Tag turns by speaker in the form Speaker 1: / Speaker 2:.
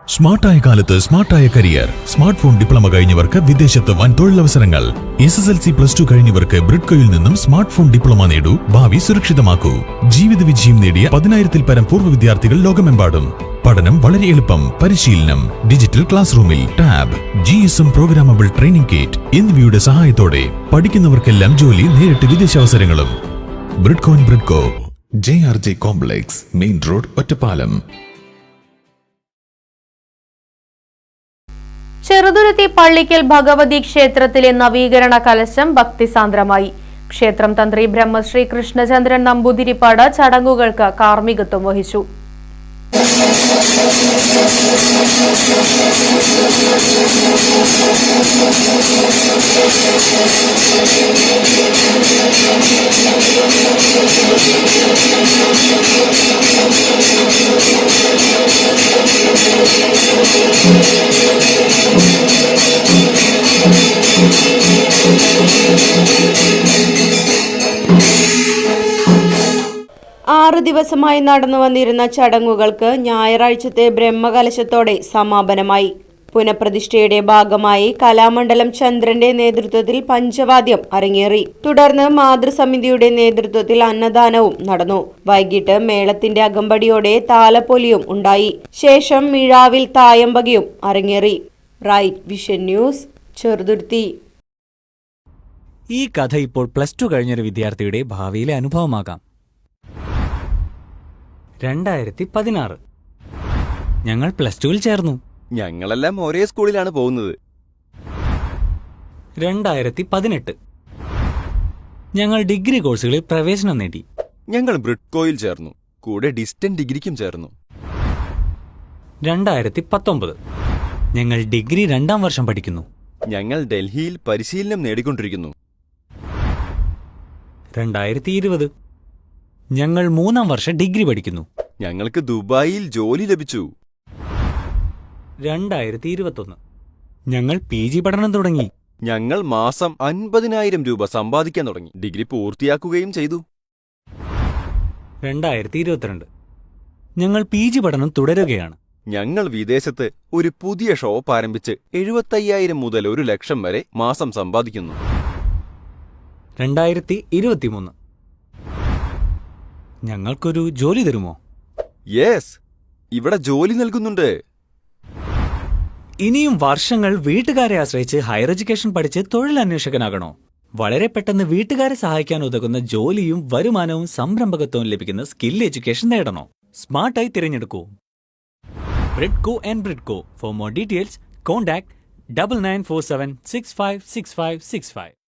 Speaker 1: സ്മാർട്ടായ കാലത്ത് സ്മാർട്ടായ കരിയർ. സ്മാർട്ട് ഫോൺ ഡിപ്ലോമ കഴിഞ്ഞവർക്ക് വിദേശത്ത് വൻ തൊഴിലവസരങ്ങൾ. SSLC +2 കഴിഞ്ഞവർക്ക് ബ്രിഡ്കോയിൽ നിന്നും സ്മാർട്ട് ഫോൺ ഡിപ്ലോമ നേടൂ. ഭാവി സുരക്ഷിതമാക്കൂ. ജീവിത വിജയം നേടിയ 10,000-ൽ പരം പൂർവ്വ വിദ്യാർത്ഥികൾ ലോകമെമ്പാടും. പഠനം വളരെ എളുപ്പം. പരിശീലനം ഡിജിറ്റൽ ക്ലാസ് റൂമിൽ, tab, GSM programmable training kit എന്നിവയുടെ സഹായത്തോടെ പഠിക്കുന്നവർക്കെല്ലാം ജോലി, നേരിട്ട് വിദേശാവസരങ്ങളും. Bridco JRJ complex, main road, Ottapalam.
Speaker 2: Cheruthuruthy Pallikkal Bhagavathi ക്ഷേത്രത്തിലെ നവീകരണ കലശം ഭക്തിസാന്ദ്രമായി. ക്ഷേത്രം തന്ത്രി ബ്രഹ്മശ്രീ കൃഷ്ണചന്ദ്രൻ നമ്പൂതിരിപ്പാട് ചടങ്ങുകൾക്ക് കാർമ്മികത്വം വഹിച്ചു. ആറ് ദിവസമായി നടന്നു വന്നിരുന്ന ചടങ്ങുകൾക്ക് ഞായറാഴ്ചത്തെ ബ്രഹ്മകലശത്തോടെ സമാപനമായി. പുനഃപ്രതിഷ്ഠയുടെ ഭാഗമായി കലാമണ്ഡലം ചന്ദ്രന്റെ നേതൃത്വത്തിൽ പഞ്ചവാദ്യം അരങ്ങേറി. തുടർന്ന് മാതൃസമിതിയുടെ നേതൃത്വത്തിൽ അന്നദാനവും നടന്നു. വൈകിട്ട് മേളത്തിന്റെ അകമ്പടിയോടെ താലപ്പൊലിയും ഉണ്ടായി. ശേഷം മിഴാവിൽ തായമ്പകയും അരങ്ങേറി. Right vision news, Cheruthuruthy.
Speaker 3: ഈ കഥ ഇപ്പോൾ +2 കഴിഞ്ഞൊരു വിദ്യാർത്ഥിയുടെ ഭാവിയിലെ അനുഭവമാകാം. 2016 ഞങ്ങൾ +2-ൽ ചേർന്നു.
Speaker 4: ഞങ്ങളെല്ലാം ഒരേ സ്കൂളിലാണ് പോകുന്നത്.
Speaker 3: 2018 ഞങ്ങൾ ഡിഗ്രി കോഴ്സുകളിൽ പ്രവേശനം നേടി.
Speaker 4: ഞങ്ങൾ ബ്രിഡ്കോയിൽ ചേർന്നു. കൂടെ ഡിസ്റ്റന്റ് ഡിഗ്രിക്കും ചേർന്നു.
Speaker 3: 2019 ഞങ്ങൾ ഡിഗ്രി 2ാം വർഷം പഠിക്കുന്നു.
Speaker 4: ഞങ്ങൾ ഡൽഹിയിൽ പരിശീലനം നേടിക്കൊണ്ടിരിക്കുന്നു.
Speaker 3: 2020 ഞങ്ങൾ 3ാം വർഷം ഡിഗ്രി പഠിക്കുന്നു.
Speaker 4: ഞങ്ങൾക്ക് ദുബായിൽ ജോലി ലഭിച്ചു.
Speaker 3: 2021 ഞങ്ങൾ PG പഠനം തുടങ്ങി.
Speaker 4: ഞങ്ങൾ മാസം 50,000 രൂപ സമ്പാദിക്കാൻ തുടങ്ങി. ഡിഗ്രി പൂർത്തിയാക്കുകയും ചെയ്തു.
Speaker 3: 2022 ഞങ്ങൾ PG പഠനം തുടരുകയാണ്.
Speaker 4: ഞങ്ങൾ വിദേശത്ത് ഒരു പുതിയ ഷോപ്പ് ആരംഭിച്ച് 75,000 മുതൽ 1,00,000 വരെ മാസം സമ്പാദിക്കുന്നു.
Speaker 3: 2023 ഞങ്ങൾക്കൊരു ജോലി തരുമോ?
Speaker 4: യെസ്, ഇവിടെ ജോലി നൽകുന്നുണ്ട്.
Speaker 3: ഇനിയും വർഷങ്ങൾ വീട്ടുകാരെ ആശ്രയിച്ച് ഹയർ എഡ്യൂക്കേഷൻ പഠിച്ച് തൊഴിലന്വേഷകനാകണോ? വളരെ പെട്ടെന്ന് വീട്ടുകാരെ സഹായിക്കാൻ ഉതകുന്ന ജോലിയും വരുമാനവും സംരംഭകത്വവും ലഭിക്കുന്ന സ്കിൽ എഡ്യൂക്കേഷൻ നേടണോ? സ്മാർട്ടായി തിരഞ്ഞെടുക്കൂ. Bridco. For more details contact 9947656565.